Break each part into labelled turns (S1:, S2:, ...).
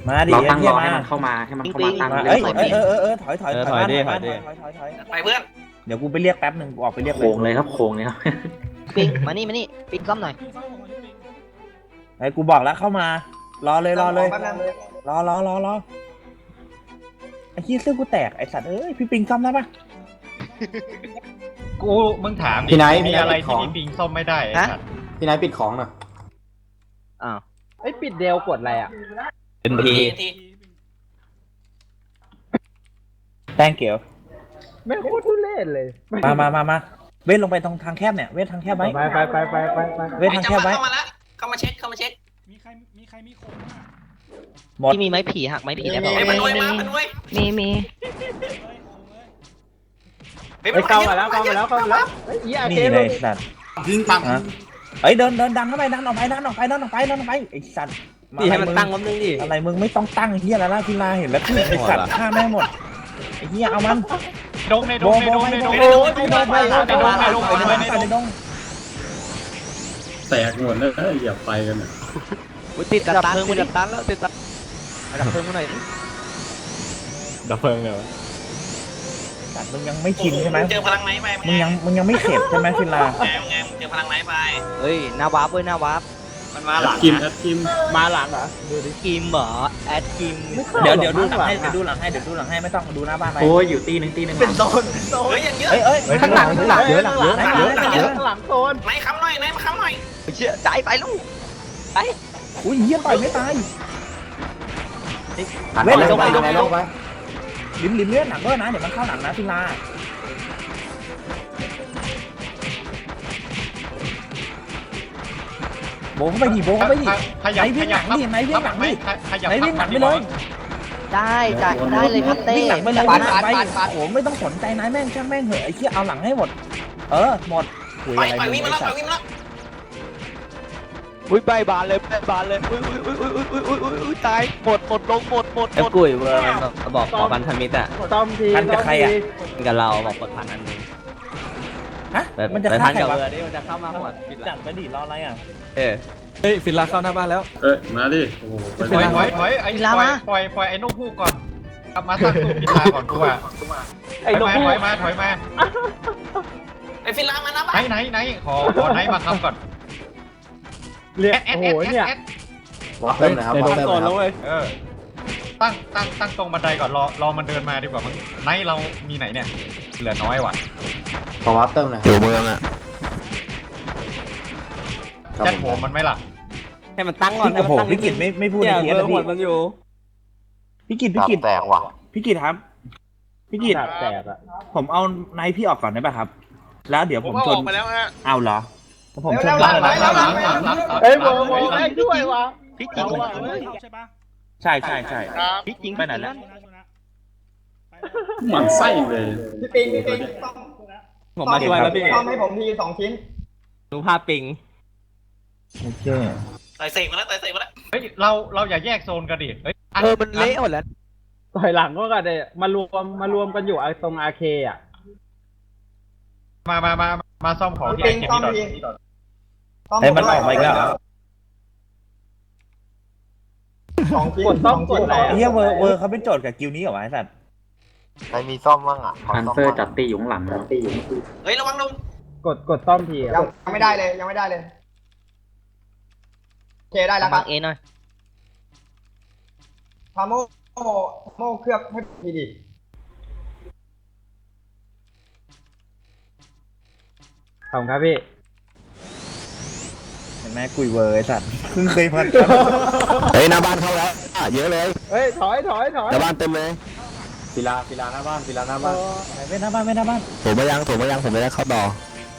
S1: มาดิ
S2: เราตั้งรอ
S1: ไอ้
S2: ให้
S1: เหี้ย
S2: มันเข้ามาให้มันเข้ามาตั้ง
S1: มา
S2: เรื่
S1: เอ้
S2: อย ง
S1: ถอย
S3: ถอยดิ
S4: ไปเพื่อน
S1: เดี๋ยวกูไปเรียกแป๊บหนึ่งกูออกไปเรียก
S2: โค้งเลยครับโค้งเลยครับ
S5: ปิงมานี่ปิงก้มหน่อย
S1: ไอ้กูบอกแล้วเข้ามารอเลยรอไอ้เหี้ยเสื้อกูแตกไอ้สัตว์เอ้ยพี่ปิงซ่อมได้ปะ
S3: กูมึงถาม
S6: พี่ไนท์
S3: มีอะไร
S6: ข
S3: ที่
S6: อง
S3: มีปิงซ่อมไม่ได้ไอ้สัตว์
S6: พี่นายปิดของหน่อย
S5: อ้าว
S7: ไอ้ปิดเดลกดอะไรอ่ะ
S3: เป็นที
S1: แป้งเกียว
S7: แม่งโคตรทุเรศเลย
S1: มาเว้นลงไปตรงทางแคบเนี่ยเว้นทางแคบไว้
S7: ไป
S1: เว้นทางแคบไว้
S4: เข้ามาแล้วเข้ามาเช็ค
S8: มีใครมีโคม
S1: หมด
S5: ที่มีไม้ผีหักไม้ผีได้ป่าว
S4: เฮ้ยมันด้วยมามันด้วย
S9: มี
S4: เฮ้ย
S7: ไอ้เข้ามาแล้วไอ้เหี้ย
S1: นี่
S7: เกม
S1: เลยสัตว์
S2: ยิงปั๊ม
S1: เอ้ยเดินดังเข้าไปดันออกไปไอ้สัตว์
S5: นี่ให้มันตั้งล้มนึงดิ
S1: อะไรมึงไม่ต้องตั้งเฮียแล้วล่ะพิลาเห็นแล้วไอ้สัตว์ฆ่าแม่งหมดไอ้เฮียเอามัน
S3: ดงในดงในดงในดง
S1: ในดง
S6: แตกหมดแล้วอย่าไปกันนะ
S5: ติดดับเพลิงมันดับตันแล้วติดดับเพลิงมาหน่อย
S3: ดับเพลิงเลย
S1: สัตว์มึงยังไม่ชินใช่ไหม
S4: เจอพลังไหนไป
S1: มึงยังไม่เข็ดใช่ไหมพิลา
S4: ไงเจอพลังไหนไป
S5: เฮ้ยหน้าวาร์ปหน้าวาร์ป
S4: มันมาหลัง
S6: กิมแอดกิม
S7: มาหลังเหรอ
S5: กิมเหรอแอดกิม
S1: เดี๋ยวดูหลังให้ไม่ต้องดูหน้าบ้านไป
S2: โอ้ยอยู่ตีหนึง
S4: เป็นโซนเฮ้ยอย่างเยอะ
S1: เอ้ยข้างหลังเยอะ
S7: หลังโซน
S4: ไหนค้ำหน่อยมาค้ำหน่อย
S5: เชื่อใจไปลูกไป
S1: อุ้ยเฮียต่อยไม่ตาย
S6: เว้นลงไปลงไป
S1: ลิ้มเลือดหนักด้วยนะเดี๋ยวมันเข้าหลังนะพิลาโบเข้าไปดิไหนวิ่งหลังดิไหนวิ่งไปเลย
S5: ได้เลยครับเต้
S1: วิ่งหลังไปเลย
S5: ปัด
S1: ไปโอ้ไม่ต้องสนใจนายแม่งช่างแม่งเหอะไอ้เหี้ยเอาหลังให้หมดหมดคุย
S4: ไป
S1: อะไร
S4: วิ่งมาแล้ววิ่งมาแล้ว
S5: อุ้ยใบบานเลยอุ้ยตายหมดลงหมดไอ้กุยเวอร์มันบอกขอพันธมิตรอ่ะ
S7: ต้อมที
S1: พันกับใครอ่ะ
S5: กับเราบอกกดพันอันนึง
S1: ฮะมันจะฆ่าใคร
S5: กับ
S1: วะ
S5: เวอร์นี่มันจะเข้ามาหมด
S1: จัดไปดิรออะไรอ่ะ
S5: เฮ้ยฟินลาเข้าหน้าบ้านแล้ว
S6: มาดิโอ้โห
S3: ถอยไอ้ปล่อยไอ้นกฮูกก่อนกลับมาตั้งตู้กินลาก่อนกูอ่ะถอยมา
S4: ไอ้ฟิลามานะบ้า
S3: ไหนขอไหนมาคำก่อน
S7: เรียกโอ้โหเนี่ย
S6: วัดเต็มเลยครับวัดเต็มเลยครับ
S3: ตั้งตรงบันไดก่อนรอมันเดินมาดีกว่ามั้งไหนเรามีไหนเนี่ยเหลือน้อยว่ะ
S6: ขอวัดเต็มเลย
S5: อยู่เมืองอ่ะ
S3: แจ็คโหมันไม่หลับ
S5: ให้มันตั้งก่อน
S1: โอ้โหพี่กิตไม่พูดในเทียนะพี่
S5: อยู่
S1: พี่กิตแตกว่ะพี่กิตครับพี่กิต
S7: แตกอ่ะ
S1: ผมเอาไนท์พี่ออกก่อนได้ป่ะครับ แล้วเดี๋ยวผมชน
S4: ไปแล้วฮะ
S1: เอาเหรอผมชน
S3: หลัง
S7: เฮ้ยโบแม่งด้วยวะ
S5: พี่จริง
S8: ใช่ปะ
S1: ใช่
S5: พี่จริง
S1: ไปไหนแล้ว
S6: หมันไส้เลย
S7: พี่ปิง
S5: ผมมาช่วยแล้วพี่
S7: ต้องให้ผมที2 ชิ้น
S5: ดูภาพปิง
S1: โอเค
S4: ใส่เสกมาแล้ว
S3: เฮ้ยเราอย่าแยกโซนกันดิเฮ้ย
S5: มันเละหมดแล้ว
S7: ต่อยหลังก็กันเลยมารวมกันอยู่ตรงอาเคอ่ะ
S3: มาซ่อมของที่ไอ้เก็บนี่ก่อน
S1: ไอ้มันออกมาอีกแล้ว
S7: กดต้องกดอะไร
S1: ไอ้เหี้ยเวอร์เขาเป็นโจทย์กับกิลนี้เหรอวะไอ้สัตว์
S6: ใครมีซ่อมบ้างอ่ะ
S2: พันเซอร์จัดตีอยู่ข้างหลังนะ
S4: เฮ้ยระวังลง
S7: กดต้อมที
S10: ยังไม่ได้เลยโอเคได้แล้วค
S5: บั
S10: รับ
S5: งเอหน่อย
S10: พาโมเคลือบให้ดีดิ
S7: ขอบคุณครับพี่
S1: เห็นไหมกุยเวอร์ไอ้สัตว์เพิ่งเคยพัน
S5: เฮ้ยหน้าบ้านเข้าแล้วเยอะเลย
S7: เฮ้ยถอย
S5: หน้าบ้านเต็มเลย
S6: ศิลาหน้าบ้านศิลาหน้าบ้าน
S1: ไม่หน้าบ้าน
S5: ผมไม่ยังผมไม่ได้เข้าต่อ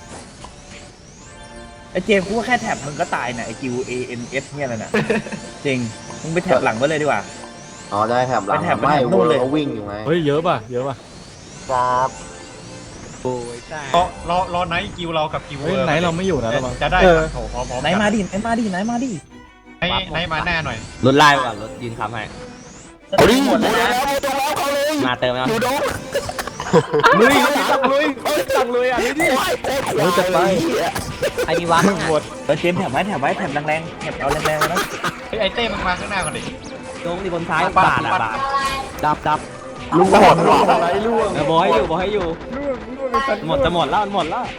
S1: ไอ้เจมส์กูว่าแค่แท็บมึงก็ตายน่ะไอ้กิว ANS เนี่ยอะไรน่ะจริงมึงไปแท็บหลังไว้เลยดีกว่า
S6: อ๋อได้แถบหลัง
S1: ไปแถบ
S6: ไม่
S1: นู่นเลย
S6: เขาวิ่งอยู่ไง
S3: เฮ้ยเยอะป่ะ
S6: ครับ
S5: โอ้ยใช่
S3: รอไหนกิวเรากับกิวเวอร์
S8: ไหนเราไม่อยู่นะระวัง
S3: จะได้โถพร้อม
S1: ไหนมาดิไหนมาดิ
S3: ไหนมาแน่หน่อย
S5: รถไล่ก่อนรถยืนค้ำให้
S1: เอาดิหมดแล้ว
S5: มาเติมแล้ว
S7: ลุยสั่งลุยอ่ะนี่ดิ
S5: จะไปไอ้มีวะ
S1: เจมส์แท็บไว้แท็บแรงๆแท็บเอาแรงๆนะ
S3: ไอ้เต้มึงมาข้างหน้าก่อนดิ
S5: โยงที่บนซ้ายบาดอ่ะบาดดับ
S6: ลูกหมดอะไรลูก
S5: บอกให้อยู่หมดจะหมดแล้ว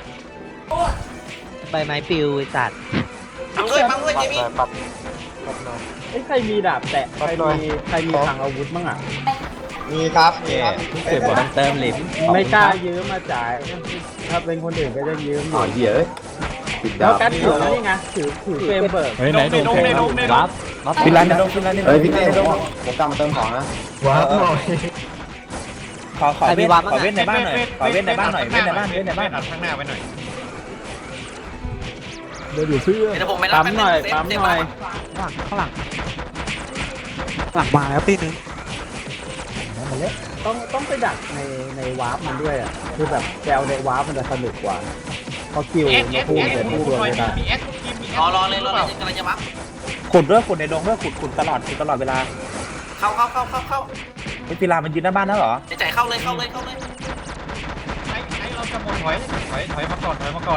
S5: ใบไม้ปลิวไอ้สัตว์
S4: ปังด้วยเจมี่
S6: ปัด
S7: ไอ้ยใครมีดาบแตะใครมีทางอาวุธบ้างอ่ะ
S10: มีครับมีครับ
S5: เก็บเติมเหล็ก
S7: ไม่กล้ายืมมาจ่ายถ้าเป็นคนอื่นก็จะยืมอ
S6: อ๋อยู่ เหี้ยปิด
S7: แล้
S6: ดาว ว
S7: แก๊สถือแล้วนี่ไงถือเฟรมเบิร์ก
S8: เฮ้ยไหนโดนแทง
S5: วับ
S1: ฟิลาในดงฟิลาในดง
S6: เฮ้ยพี่เต้ผมกลับมาเติมของนะ
S1: ว้าวขอเว้นในบ้านหน่อยขอเว้นในบ้านหน่อยเว้นในบ้าน
S3: อัดข้างหน้าไว้หน่อย
S8: เดี๋ยวอยู่เสื้อ
S4: เดี๋ยวผมไปรับ
S7: ปั๊มหน่อยปั๊มหน่อย
S5: ข้างหลังมาแล้วตีนึง
S7: ต้องไปดักในวาร์ปมันด้วยอ่ะคือแบบแจวในวาร์ปมันจะสนุกกว่าเพราะคิวมาพูดเดี๋ยวพูดด้วยไม่ได้
S3: มีเอสมี
S4: รอเลยกำลังจะบัฟ
S1: ขุดด้วยขุดในดงด้วยขุดตลอดเวลา
S4: เข้า
S1: ไอ้ฟิลามันยืนหน้าบ้านแล้วเหรอ
S4: ใจเข้าเลย
S3: ไอ้เราจะหมดถอยมาก่อน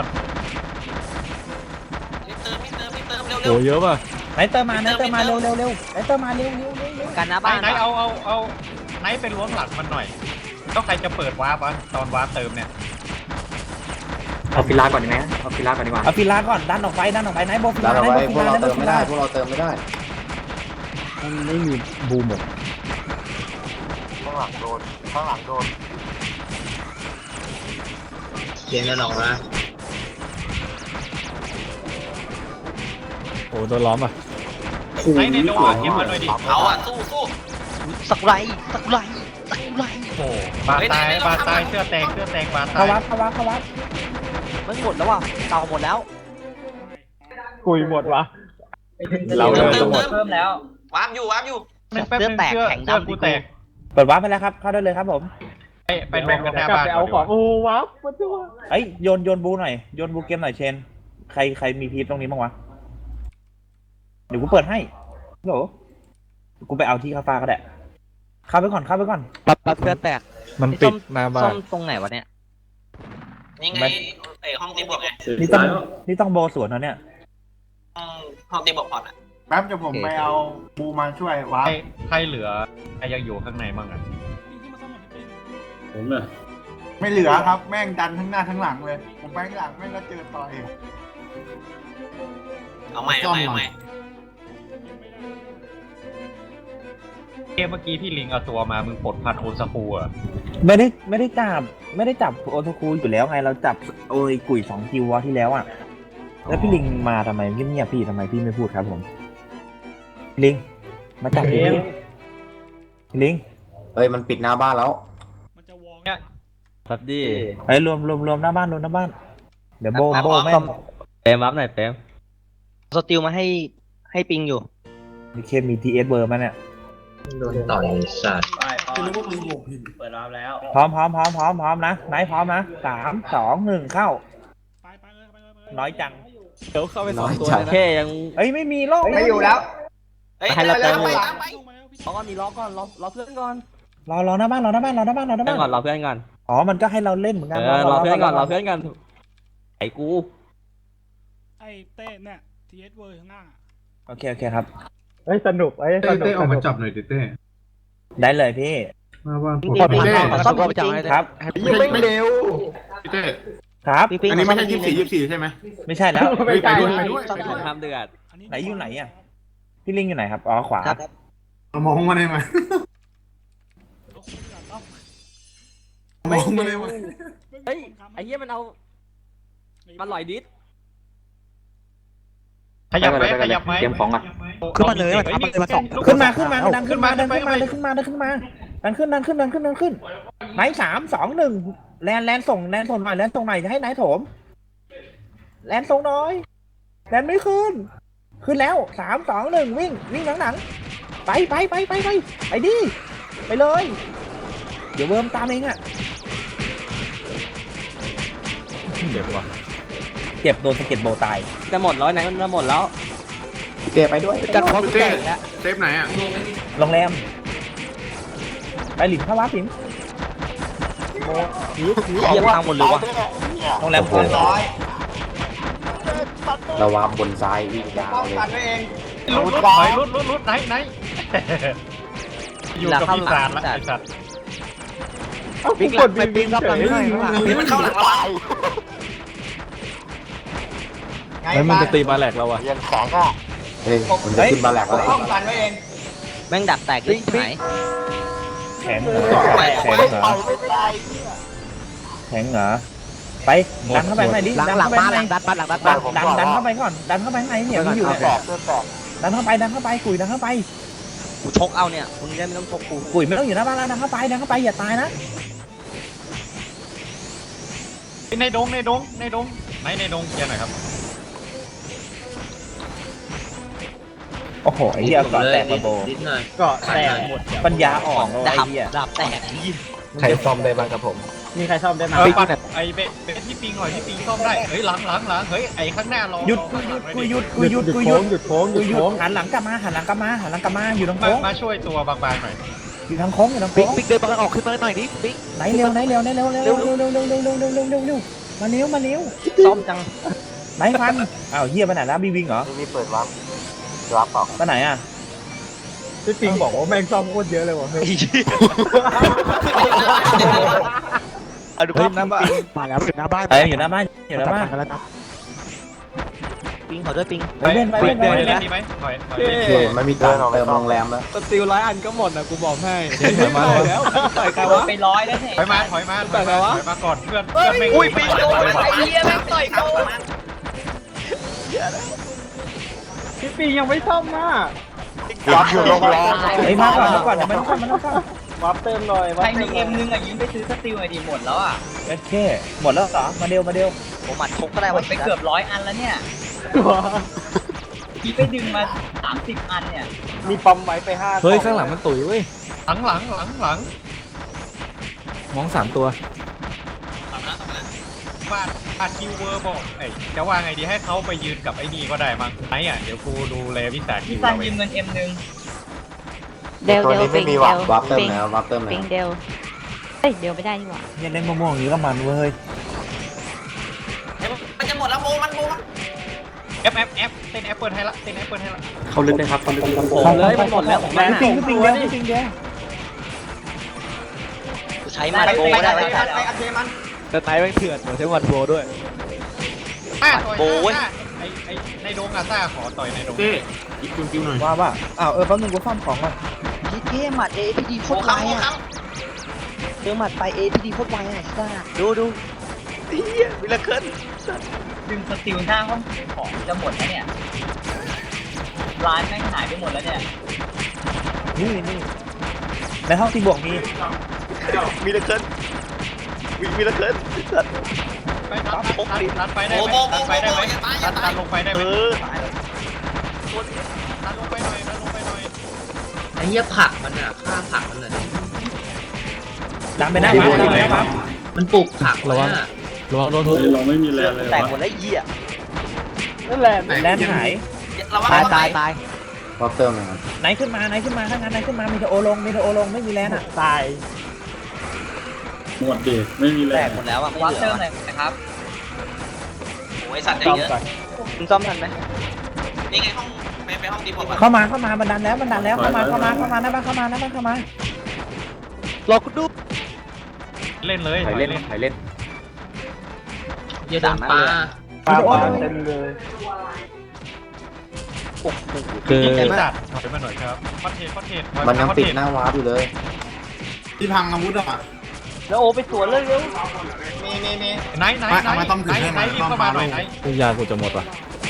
S4: มีเติมเร็ว
S8: โอ้เยอะป่ะ
S1: ไหนเติมมาเร็วไหนเติมมาเร็ว
S5: กันนะบ้าน
S3: ไหนเอาไหนเป็นล้วงหลังมันหน่อยต้องใครจะเปิดวาร์ปตอนวาร์ปเติมเนี่ย
S2: เอาฟิลาก่อนดีไหมเอาฟิลาก่อนดีกว่า
S1: เอาฟิลาก่อนดันออกไปไหนโบฟิ
S6: ดา
S1: ลาว
S6: ไว้พวกเราเติมไม่ได้พวกเราเติมไม่ได้
S7: มันไม่มีบูมหมด
S6: ข้างหลังโดน
S10: เสียงกันออกนะ
S8: โอ้โดนล้อมอ่ะ
S3: ไหนในโดนเก็บมาหน่อยดิ
S4: เอาอ่ะสู้
S5: สักไร
S3: โอ้บาตายเสื้อแตงบาตา
S1: เข้าย วัด
S5: มันหมดแล้วว่ะเต่าหมดแล้ว
S7: กุยหมดวะ
S8: เราเลย
S4: เติ
S8: ทั้
S4: ม
S8: งหมด
S4: แล้ววาร์ปอยู่
S3: เสื้อแตกแข็งดำกูแตก
S1: เปิดวัดไปแล้วครับเข้าได้เลยครับผม
S3: ไปรวมกันหน้าก
S7: ลับ
S3: บ้าน
S7: ไปเอาของโอ้ว้าวมันจะว่า
S1: เอ้ยโยนบูหน่อยโยนบูเกมหน่อยเชนใครมีพีทตรงนี้บ้างวะเดี๋ยวกูเปิดให้โหกูไปเอาที่คาฟ้าก็ได้เข้าไปก่อน
S5: ปั๊บเสื้อแตก
S8: มันปิดหน้าบ้า
S5: ซ่อม
S8: น
S5: ตรงไหนวะเนี่ย
S4: นี่ไงไอห้องตีบวกไง
S1: นี่ต้องโบสวนนะเนี่ย
S4: ห้องตีบวกพอดอ่ะ
S10: แป๊บจะผมไปเอาบูมาช่วยวาร์ป
S3: ใครเหลือใครยังอยู่ข้างในบ้างอ่ะ
S8: ผมเนี่ย
S10: ไม่เหลือครับแม่งดันทั้งหน้าทั้งหลังเลย ผมไปข้างหลังแม่งก็เจอต่อเอง
S4: เอาใหม่
S3: เมื่อกี้พี่ลิงเอาตัวมามึงปลดพันโอสคูอ่ะ
S1: ไม่ได้จับโอโทคูอยู่แล้วไงเราจับโอ้ยกุ๋ย2คิววะที่แล้วอ่ะแล้วพี่ลิงมาทำไมเงียบๆพี่ทำไมพี่ไม่พูดครับผมลิงมาจับพี่ลิง
S6: เฮ้ยมันปิดหน้าบ้านแล้ว
S8: มันจะวอง
S5: ครับดิ
S1: เฮ้ยรวมหน้าบ้านเดี๋ยวโบแม่ง
S5: เปมวับหน่อยเปมสติลมาให้ปิงอยู่
S1: มีเคมีทีเอสเบอร์มาเนี่ย
S10: โดนต่อยสัตว์
S1: พร้อมนะไหนพร้อมนะ3 2 1เข้า
S8: ไปเลย
S1: น้อยจัง
S5: เดี๋ยวเข้าไป2 ตัว
S6: น้อยจัง
S5: แค่ยัง
S1: เอ้ยไม่มีโลก
S10: ไม่อยู่แล้ว
S5: ให้เราเติม
S4: ไป
S5: รอก่อนมีรอก่อนรอเพื่อนก่อน
S1: รอหน้าบ้าน
S5: เพื่อนก่อนรอเพื่อนก่อน
S1: อ๋อมันก็ให้เราเล่นเหมือนกัน
S5: รอเพื่อนก่อนไอ้กู
S8: ไอ้เต้เนี่ยทีเอสเวอร์ข้างหน้า
S1: โอเคครับ
S7: เฮ้ยสนุกสนุกออกมาจับหน่อย
S1: ได้เลยพี่
S5: ซ่อมจริง
S1: ครับ
S10: ไม่เร็ว
S1: ครับ
S5: อันนี้ไม่ใช่
S10: 24ใช่ไหม
S1: ไม่ใช่แล้ว
S7: ไม่ใช่
S5: ซ่อมสงครามเดือด
S1: ไหนอยู่ไหนอ่ะพี่ลิงอยู่ไหนครับอ๋อขวา
S5: ครับ
S10: มองมาได้ไหม
S8: ไม่
S10: มองมาได้ไหม
S5: เฮ้ยไอ้เหี้ยมันเอามันลอยดิส
S3: ขยับไหม
S2: เตรียมของก่อน
S5: ขึ้นมาเลยมาสอง
S1: ขึ้นมาดันขึ้นไหน3 2 1แลนส่งหน่อยจะให้ไหนโถมแลนส่งน้อยแลนไม่ขึ้นแล้ว3 2 1วิ่งหนังไปดิไปเลยเดี๋ยวเวิร์มตามเองอ่ะเจ็บโดนสะเก็ดโบตาย
S5: จะหมดแล้วไหนมันจะหมดแล้ว
S6: เต้ไปด้วย
S5: จัดพร้อมเต้แล้ว
S10: เซฟไหนอ่ะ
S1: โรงแรมไปหลินเข้าวัดหลิน
S5: เยี่ยมทางหมดเลยวะ
S1: โรงแรม
S10: ร้อย
S6: เราวางบนซ้ายวิ่งยาว
S10: ป้อง
S6: เลย
S10: กันไว้เอง
S3: รุดไหนอยู่กับปีศาจละไอ้สัตว์
S5: ปิ๊กหลังไปปิ๊กรับหลังหน่อยข้างหลัง
S4: นี่มันเข้าหลังเราอะ
S10: แล้วมันจะตีมาแหลกเราอะ
S6: เฮ้ยมันจะขึ้นมาแหลกแล้ว
S10: ป้องกันไว้เอง
S5: แม่งดักแตกเลยไหน
S1: แข็งเหรอแข็งเหรอแข็งเหรอไปดันเข้าไปข้างในดิ
S5: หลัง
S1: ดัน
S5: หลัง
S1: เข้าไป
S5: มา
S1: ข้าง
S5: ห
S1: ใน
S5: ลังดันหลังดัน
S1: ดันเข้าไปก่อนดันเข้าไปข้างในเนี่ยมันอยู่เนี่ยดันเข้าไปกุยดันเข้าไป
S5: กูชกเอาเนี่ยมึงได้ไม่ต้องชกกู
S1: กุยไม่ต้องอยู่หน้าบ้านแล้วดันเข้าไปอย่าตายนะ
S3: ในดงในดงเคลียร์หน่อยครับ
S1: โอ้โหไอ้เหี้ยก่อนแตกระโบ
S7: ก็แตกหมด
S1: ปัญญาอ่อนเลย
S5: ดา
S1: ไอ้
S5: บ
S1: เหี้ย
S5: ดาบแตกนี่
S6: ใครซ่อมได้บ้างครับผม
S7: มีใครซ่อมได้ไหม
S3: ปัดไอ้เบสที่ปิงหน่อยที่ปิงซ่อมได้เฮ้ยหลังเฮ้ยไอ้ข้างหน้ารอ
S1: หยุดหันหลังกลับมาอยู่ตรงโค้ง
S3: มาช่วยตัวบางๆหน่อย
S1: อยู่ทางโค้งอยู่ทาง
S5: ปิ๊
S1: โค้
S5: ก
S1: ง
S5: ปิ๊กเดินมาออกขึ้นมาหน่อยดิปิ๊ก
S1: ไหนเร็วมาเร็วมาเร็ว
S5: ซ่อมจัง
S1: ไหนฟันอ้าวเหี้ยไปไหนแล้วบีวิงเหรอ
S6: มีเปิดวับเปล่า
S1: ไปไหนอ่ะ
S7: พี่ปิงบอกว่าแม่งซ่อมโคตรเยอะเลยว่ะเฮ้ย
S5: เอาดูภาพน้ำบ้านมาแล้วถึงหน้าบ้าน
S1: อยู่หน้าบ้าน
S5: ปิ๊งขอด้วยปิ๊ง
S1: ไปเล่น
S3: เล่นดีไหมถอย
S6: โอเคไม่มีตังค์เติมโรงแรมแล้ว
S7: สติล100 อันก็หมดนะกูบอกให้
S10: มาแล้ว
S7: ต่อยใครวะ
S4: ไปร้อยแล้วเนี่ย
S3: ถอยมาก่อนเพื่อนไม่
S5: อุ้ยปิ๊งโดน
S4: ไอ้เหี้ยแม่งต่อยกู
S7: พี่ปิงยังไม่ซ่อมมา
S6: วับอยู่โรงแรม
S1: ไอ้มาก่อนเดี๋ยวมันต้องซ่อม
S7: วับเติมหน่อย
S4: ใครมีMนึงอ่ะยิงไปซื้อสติลไอดีหมดแล้วอ่ะ
S1: โอเคหมดแล้วเหรอมาเร็ว
S5: ผมหมัดชกก็ได้
S4: หม
S5: วะ
S4: ดไปเกือบ100 อันแล้วเนี่ยพี่ไปดึงมา30 อันเนี่ย
S7: มีปอมไว้ไป5
S10: เฮ้ยข้างหลังมันตุ๋ยเว้ย
S3: หลัง
S10: มอง3 ตัว
S3: บ้านคิวเวอร์บอกจะว่าไงดีให้เขาไปยืนกับไอ้นี่ก็ได้มั้งไหนอ่ะเดี๋ยวกูดูแลวิสาคิ
S4: พี่
S3: ว
S4: ซัน
S3: เราเอ
S4: ยื
S3: ง
S4: มเงิน M นึง
S9: เดลปิงเดล
S6: วับเติม
S9: ปิง
S6: แล้ววับเติมแล้
S9: ปิ
S6: ว
S9: งเดลเอ้ยเดลไม่ได้นี่หว่า
S1: เนี่ยเล่นม่วงๆอย่างนี้ก็มันเว้ย
S4: มันจะหมดแล้วโบมัน
S3: แอปเต้นแอปเปิลให้ละ
S2: เขาลึกเลยครับเขาลึก
S5: ผมเลยมันหมดแล้วผม
S1: พี่ปิงเดียว
S5: ใช้หมัดโบได้ไหม
S4: ไปอัดเทมัน
S7: แต่ไหนแม่งเถื่อนใช้วันโบด้วย
S3: ไอ้ในดงอาซ่าขอต่อยในดง
S1: ว่าแป๊บนึงกูซ่อมของก่อน
S5: พี่เท่หมัด APD โค
S4: โอ้
S5: ตรไว
S4: ค้ำ
S5: อ่ะเจอหมัดไป APD โคตรไวอ่ะซ่าดูเฮียวิลเคิล
S4: ดึงสติลหน้าห้องของจะหมดแล้วเนี่ยร้านแม่งหายไปหมดแล้วเนี่ย
S1: นี่ในห้องที่บวกมี
S5: วิลเคิลสัตว์
S3: ไปรัดไปได้ไหมรัดลงไปได้ไหมรัดลงไปหน่อย
S4: ไอ้เหี้ยผักมันอ่ะฆ่าผักมันเลย
S1: ดันไปหน้าบ้าน
S4: มันปลูกผัก
S10: ระวังโดนทุบ
S5: แตกหมดแล้วเหี้ย
S7: นั่นแหละ
S1: แลนหาย
S5: ตาย
S6: วับเติมนะครับ
S1: ไหนขึ้นมาถ้างั้นไหนขึ้นมามีเทโอลงไม่มีแลนอ่ะ
S7: ตาย
S5: แตกหมดแล้วอ่ะ
S4: วัดเติมหน่อยนะครับโอ้ยสัตว์ใจ
S7: ซ่อม
S4: เยอะ
S7: ก่อน
S5: มึงซ่อมทันไหม
S4: นี่ไงห้องไปห้องดีผม
S1: เข้ามามันดันแล้วเข้ามาหน้าบ้านเข้ามา
S5: รอกูดู
S3: เล่นเลย
S2: ถ่ายเล่น
S4: เยอะดังปลา
S7: ปลาเต็มเลย
S10: คือ
S3: ไอ้สัตว์ถอยมาหน่อยครับคอนเทนต์
S6: มันยังติดหน้าวับอยู่เลย
S10: ที่พังอาวุธอ่ะ
S7: แล้วโอไปสวนเลยเร็ว
S4: มี
S3: ไหนรีบเข้ามาหน่อยไหน
S10: ยากูจะหมดว่ะ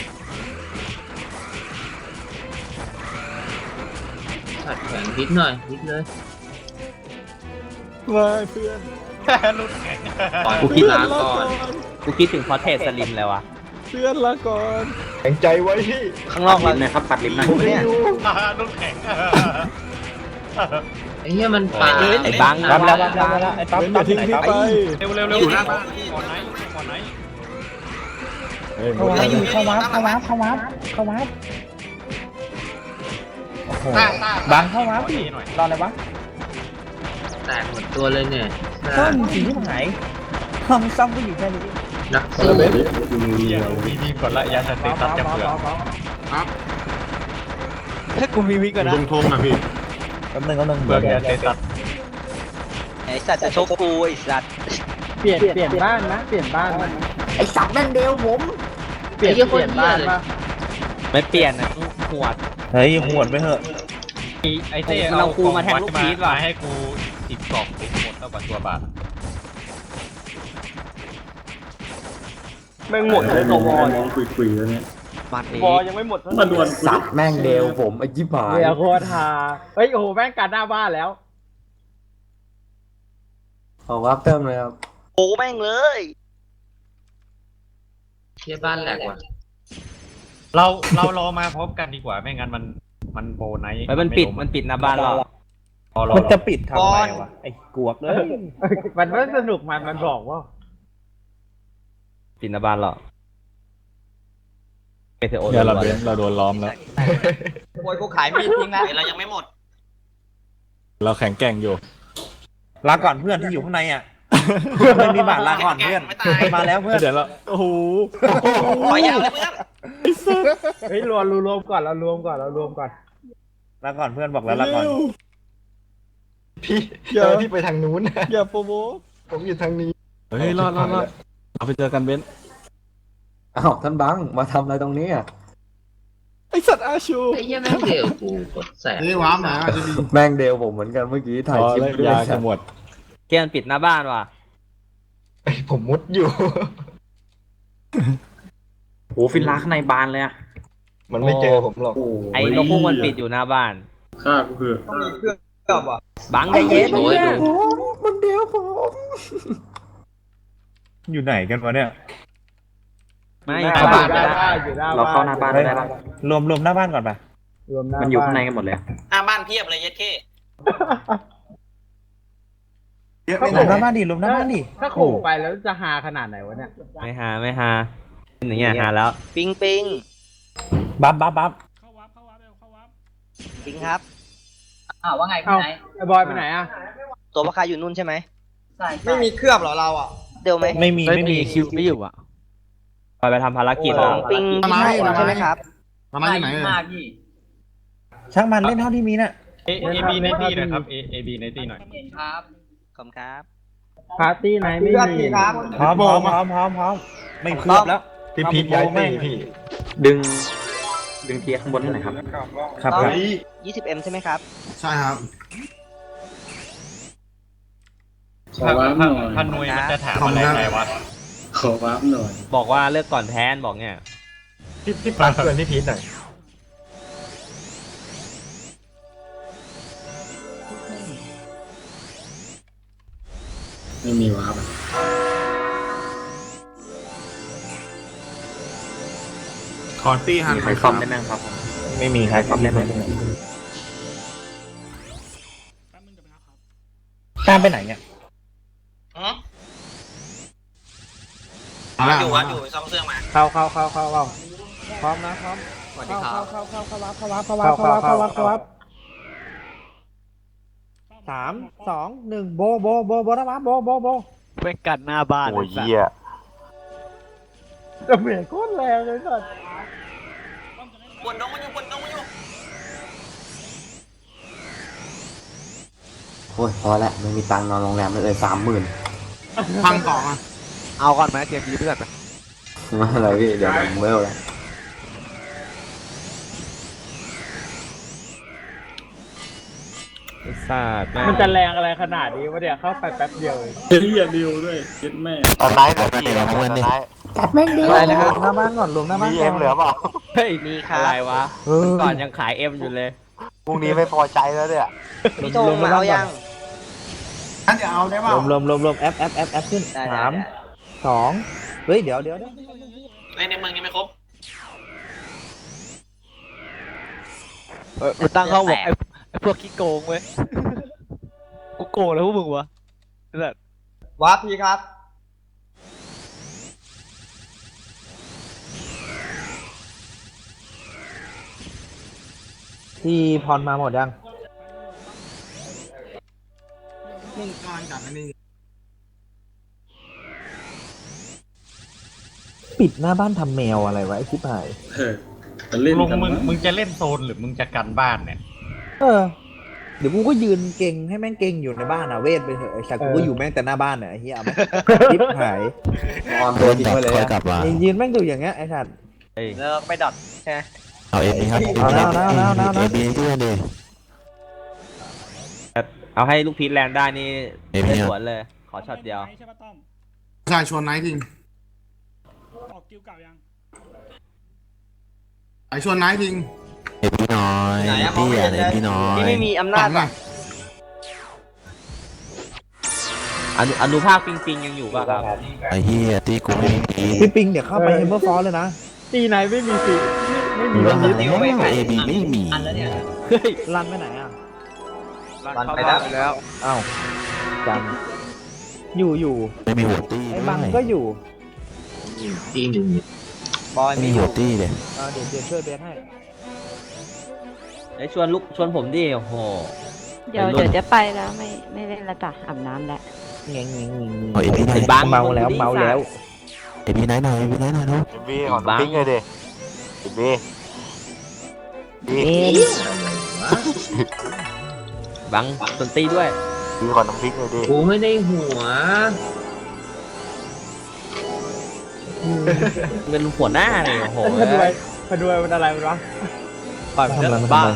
S4: สัตว์แข็งนิดหน่อยนิดเลย
S7: มาเพื่อน
S3: รุ่นแข็ง
S5: กูคิดถึงพอเทสสลิมแล้วอ่ะ
S7: เพื่อนละก่อน
S6: แข็งใจไว้ที่
S5: ข้างนอก
S2: ลิ
S5: เรา
S2: มนะครับปัดลิมนะ
S5: เนี่ย
S3: รุ่นแข็ง
S4: ไอ้เหี้ยมันปลา
S5: ไอ้บัง
S1: รับแล้วไอ้ปั๊บ
S10: เป็นอย่าทิ้งพี่ไป
S3: เร็วอยู่หน้าบ้านก่อนไหน
S10: เฮ้ย
S1: เข้าวับโอ้โหบังเข้าวับพี่รออะไรวะ
S4: แตกหมดตัวเลยเนี่ย
S1: ซ่อมสีที่ไหนห้องซ่อมก็อยู่แค่นี้
S4: นักสู้
S3: มีทีมก่อนละยาสติตัดจะเปลือก
S5: พกูมีวิ่งก่อนนะ
S10: ตรงทงอ่ะพี่
S1: แป๊บนึงก็นึง
S3: เบิร์ก
S1: เดี๋
S3: ยา
S1: ยว
S3: เสพติด
S5: ไอ้สัตว์จะชกกูไอ้สัตว์
S7: เปลี่ยนบ้านนะเปลี่ยนบ้านนะ
S1: ไอ้สัตว์แม่งเดียวผม
S7: เปลี่ยนบ้านป่ะ
S5: ไม่เปลี่ยนนะหวด
S1: เฮ้ยหวดไปเถอะ
S3: ไอ้เต้
S5: เราครูมาแทงลูกพีชว่ะ
S3: มาให้กู10 กล่องติดหมดเท่ากับตัวบาท
S10: แม่งหมดเลยตัววอลน้องคุยๆแล้วเนี่ย
S5: มันเอง
S10: วอลยังไม่หมดมาดวน
S6: สัตว์แม่งเดวผมไอ้ยิบหาย
S7: เดี๋ยวโคตรฮาเฮ้ยโอ้โหแม่งกันหน้าบ้านแล้ว
S6: ขอวับเติมเลยครับ
S5: โอ้แม่งเลย
S4: เชี่ยบ้านแหลกว่ะ
S3: เรารอมาพร้อมกันดีกว่าไม่งั้นมันโบไนท์
S5: มันปิดหน้าบ้านเรา
S1: มันจะปิดทำไมวะไอ้กวกเลย
S7: มันไม่สนุกมันบอกว่า
S5: ปิดหน้าบ้านเราเดี๋ยว
S10: เราโดนล้อมแล้ว
S4: โวยกูขายมีดทิ้งนะเรายังไม่หมด
S10: เราแข็งแกร่งอยู่
S1: ลาก่อนเพื่อนที่อยู่ข้างในอ่ะไม่มีบาทลาก่อนเพื่อนมาแล้วเพื่อน
S10: เดี๋ยวเราโอ้โห
S4: ขอยาวเลยเพื่อน
S7: เฮ้ยรวมก่อนเรารวมก่อน
S1: ลาก่อนเพื่อนบอกแล้วลาก่อน
S6: พี่พี่ไปทางนู้น
S10: อย่าโปรโม
S6: ผมอยู่ทางนี้
S10: เฮ้ยรอดเราไปเจอกันเบนซ์
S6: อ้าวท่านบังมาทำอะไรตรงนี้อ่ะ
S10: ไอสัตว์อาชู
S4: ไอ้เหี้ยแม่งเดี่ยวกูกดแสบ
S10: นี่ว้ามหนาจะดี
S6: แม่งเดวผมเหมือนกันเมื่อกี้ถ่ายคลิปด้วย
S10: ยาจะหมด
S5: เกมปิดหน้าบ้านว่ะ
S6: ผมมุดอยู่
S2: โอ้ฟิลาข้างในบานเลยอะ
S6: มันไม่เจอผมหรอก
S5: ไอ้นกฮูกมันปิดอยู่หน้าบ้าน
S10: ข้าก็คือ
S5: บังใจเย็น
S6: มันเดวผม
S1: อยู่ไหนกันวะเนี่ย
S5: ไม่
S1: เข้าบ้าน
S2: เราเข้าหน้าบ้านได้แล้ว
S1: รวมหน้าบ้านก่อนไป
S2: มันอยู่ข้างในกันหมดเลย
S4: หน้าบ้านเพียบเลยเย็ดเข้
S1: รวมหน้าบ้านดิรวมหน้าบ้านดิ
S7: ถ้าขู่ไปแล้วจะฮาขนาดไหนวะเนี่ย
S5: ไม่หาเป็นอย่างเงี้ยหาแล้วปิง
S1: บัฟ
S8: เข้าวับเร็วเข้าวับ
S5: ปิงครับ
S4: อ้าวว่าไง
S7: เอ้า
S4: พี่ไหน
S7: ไอ้บอยไปไหนอ่ะ
S5: ตัวประคาอยู่นู่นใช่ไหม
S4: ใช่
S3: ไม่มีเครือบเหรอเราอ่ะ
S5: เดี๋ยวไหม
S1: ไม่มี
S5: คิวไม่อยู่อ่ะไปทำภารกิจแล้วปิง
S10: ทำไม
S5: ใช่ไหมครับ
S10: มาอยู่ไหน
S4: มากพี่
S1: ช่างมันเล่นเท่าที่มีน่ะ
S3: AB ในตีหน่อยครับ AB ในตีหน่อย
S4: เห็นครับ
S5: ขอบครับ
S7: ปาร์ตี้ไหนไม่มี
S1: พร้อมไม่เคือบแล้ว
S6: พี่พีทย้ายตีพี่
S2: ดึงเทียร์ข้างบนให้หน่อยครับ
S1: ครับ
S5: 20M ใช่ไหมครับ
S10: ใช่ครับ
S3: ถ้าหน่วยมันจะถามอะไรไงวะ
S5: บอกว่าเลิกก่อนแทนบอกเนี่ย
S6: พี่ปลาเพื่อนพี่พีทหน่อย
S10: ไม่มีวาร์ปขอตี้หัน
S2: มีใครซ่อมได้ไหมครับ
S1: ไม่มีใครซ่อมได้ไหม
S8: แป๊บนึงเดี๋ยวไปนะครับ
S1: ตามไปไหนเนี่ย
S10: อยู่
S4: ซ่อมเครื่องมา
S7: เข้าพร้อมนะพร้อม
S4: สวัสดีครับ
S7: เข้าวับ
S1: 3 2 1โบนะวะโบ
S5: เว้กัดหน้าบ้าน
S6: โอ้ยเหี้ย
S7: จะเหม็นโคตรแรงเลยสัส
S4: ปวดน้องมันอยู่
S6: โอ้ยพอละไม่มีตังค์นอนโรงแรมเลย30,000
S10: พังต่อมา
S5: เอาก่อนไหมเกมนี้เพื่อน
S6: มาอะไรพี่เดี๋ยวผมเวลแล้ว
S5: ศาสตร์
S7: มันจะแรงอะไรขนาดนี้วะเนี่ยเข้าไปแป๊บเดียวเอง
S10: เฮียดิวด้วยเย็ดแม่
S6: ตอนไนท์เหลือพี่นะวันนี้
S1: จัดแม่งดี
S5: อะไรนะครับ
S1: หน้าบ้านก่อนรวมหน้าบ้าน
S6: มี
S1: ก่
S6: เอ็
S1: อน
S6: มเหลือเปล่า
S5: เฮ้ยมีอะไรวะก่อนยังขายเอ็มอยู่เลย
S6: พรุ่งนี้ไม่พอใจแล้วเนี่ย
S5: พี่โตมาเอายัง
S10: งั้นจะเอาได้เปล่าร
S1: วมแอปขึ้น
S5: ได้
S1: 3 2เฮ้ยเดี๋ยว
S4: ในเมืองยังไม่ครบ
S5: กูตั้งเข้าบอกไอ้พวกขี้โกงเว้ยกูโกงแล้วพวกมึงวะแบบ
S3: วาร์ปพี่ครับ
S1: ที่พรมาหมดยัง
S10: มุ่งการจัดอันนี้
S1: ปิดหน้าบ้านทำแมวอะไรวะไอ้ชิบหาย
S3: ลุงมึงจะเล่นโซนหรือมึงจะกันบ้านเนี่ย
S1: เดี๋ยวกูก็ยืนเก่งให้แม่งเก่งอยู่ในบ้านอ่ะเวทไปเถอะไอ้สัตว์กูก็อยู่แม่งแต่หน้าบ้านอ่ะไอ้เหี้ยเอามาทิปหาย
S6: ออนตัวจริงไว้เลย
S7: กลับมา
S1: ยืนแม่งอยู่อย่างเงี้ยไอ้สัตว์
S4: แล้วไปดอทใช่ไหม
S7: เอาเอ็มครับ
S1: เอาแล้ว
S7: เอบีด้วยดิ
S5: เอาให้ลูกพีทแลนด์ได้นี่
S7: เอบี
S5: ได้สวนเลย ขอช็อตเดียว
S8: ใช่ปะต้อม
S10: ใช่ชวนไนท์ทิ้ง
S8: ออกกิวเก่ายัง
S10: ไอชวนไนท์ทิ้ง
S7: เอบีน้อยพี่อ่ะเอบีน้อย
S4: ที่ไม่มีอำนาจ
S10: ไง
S5: อนุภาคปิงยังอยู่ป่ะครับ
S7: ไอ้เหี้ยตีกูไม่มี
S1: พี่ปิงเดี๋ยวเข้าไปเฮมเบอร์ฟอร์เลยนะ
S7: มี
S4: สติลไปขาย
S7: เอบีไม่มี
S4: อันแล้วเนี่ย
S1: รันไปไหนอ่ะ
S4: รันไปแล้ว
S1: อ้าวจังอยู่
S7: ไม่มีหัวตี
S1: ไอ้บังก็อยู่
S4: บอย
S7: ไม่
S4: ไม่
S7: มี
S4: อ
S7: หั
S4: ยู่
S7: วตีเลย
S1: เดี๋ยวช่วยเบสให้
S5: ไอ้ชวนผมดิโอ้โห
S9: เดี๋ยวจะไปแล้วไม่เล่นละจ้ะอาบน้ำแล้ว
S1: เงี้ย
S7: เอาเอบีไหน
S5: บัง
S1: เมาแล้ว
S7: เอบีไหนหน่อยเอบีไหนหน่อยลูก
S2: บีของพิงเลยดิบี
S5: บังสนตีด้วย
S2: บีของน้ำพริกเลยดิ
S4: กูไม่ได้หัว
S5: เป็นหัวหน้าเลยโอ้โห
S7: มันอะไรมันวะ
S1: ปล่อยมัน
S5: บ้า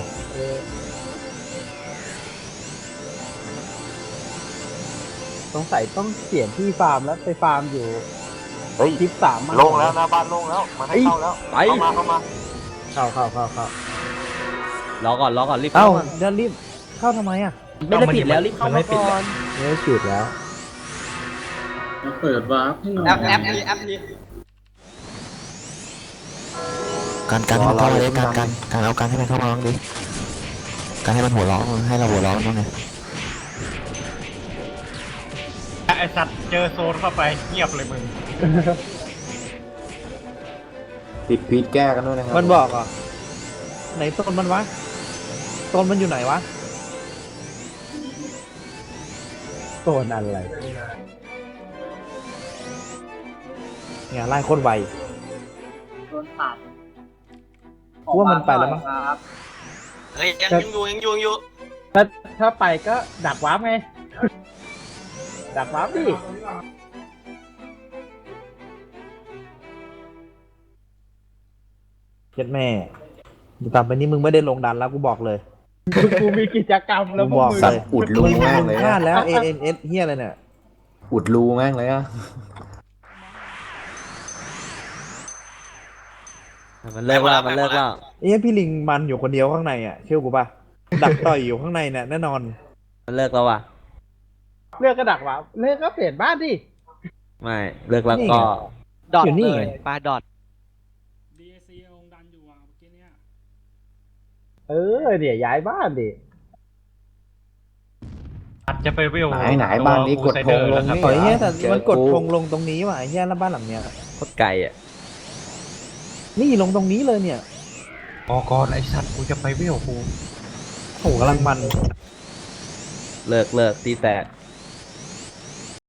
S7: สงสัยต้องเปลี่ยนที่ฟาร์มแล้วไปฟาร์มอยู่
S2: เฮ้ย
S7: ทิป3
S2: โล่งแล้วหน้าบ้านโล่งแล้วมันให้เข้าแล้ว
S5: ไป
S2: เข้ามา
S7: เข้าร
S5: อก่อนรีบ
S1: เอ้า
S5: เข้ามา
S1: เดี๋ยวรีบเข้าทำไมอ่ะ
S5: ไม่ได้ปิดแล้วรีบเข้ามาก่อน
S7: ไม่ฉุดแล้ว
S4: แอปนี้
S7: การให้มันเข้ามาเลยการเอาการให้มันเข้ามาบ้างดิการให้มันหัวร้อนให้เราหัวร้อนบ้างไง
S3: ไอสัตว์เจอโซนเข้าไปเงียบเลยมึง
S6: ติดพีทแก้กันด้วยนะครับ
S1: มันบอกอ่ะไหนต้นมันวะต้นมันอยู่ไหนวะ
S7: โซนอะไร
S1: เนี่ยไล่โคตรไว
S4: โดนขาด
S1: ว่ามันไปแล้วมั้ง
S4: ครับ
S3: เฮ้ยยังอยู่
S7: ถ้าไปก็ดักวาร์ปไง ดักวาร์ปดิ
S1: เจ็ดแม่ต่อไปนี้มึงไม่ได้ลงดันแล้วกูบอกเลย
S7: กูมีกิจกรรมแล้ว
S1: กู
S7: พวก
S1: บอก
S7: มึง
S1: เลย
S6: อุดรูแม่งเลย
S1: พลา
S6: อะ
S1: ดแล้ว ANS เฮียอะไรเนี่ย
S6: อุดรูแม่งเลยอะ
S5: มันเลิกแล้ว
S1: เอ้ยพี่ลิงมันอยู่คนเดียวข้างในอ่ะเชื่อกูป่ะ ดักต่อยอยู่ข้างในเนี่ยแน่นอน
S5: มันเลิกแล้วว่ะ
S7: เลือกก็ดักวาร์ปเลือกก็เปลี่ยนบ้านดิ
S5: ไม่เลิกแล้วก็
S7: ดอท
S1: อยู่นี่
S7: เลย
S1: ไง
S7: ปลาดอท
S8: DAC ลงดันอยู่อ่ะเมื่อกี้เนี่ย
S7: เดี๋ยวย้ายบ้านดิ
S3: อาจจะไปเวล
S6: ไหนบ้านนี้กดธงลงนี่
S1: ต่อยเฮียแต่
S6: เจอ
S1: มันกด
S6: กู
S1: ธงลงตรงนี้ว่ะไอ้เฮียแล้วบ้านหลังเนี้ย
S5: โคตรไกลอ่ะ
S1: นี่ลงตรงนี้เลยเนี่ย
S3: ออกก่อนไอสัตว์กูจะไปเวลกู
S1: โหกำลังมัน
S5: เลิกตีแตก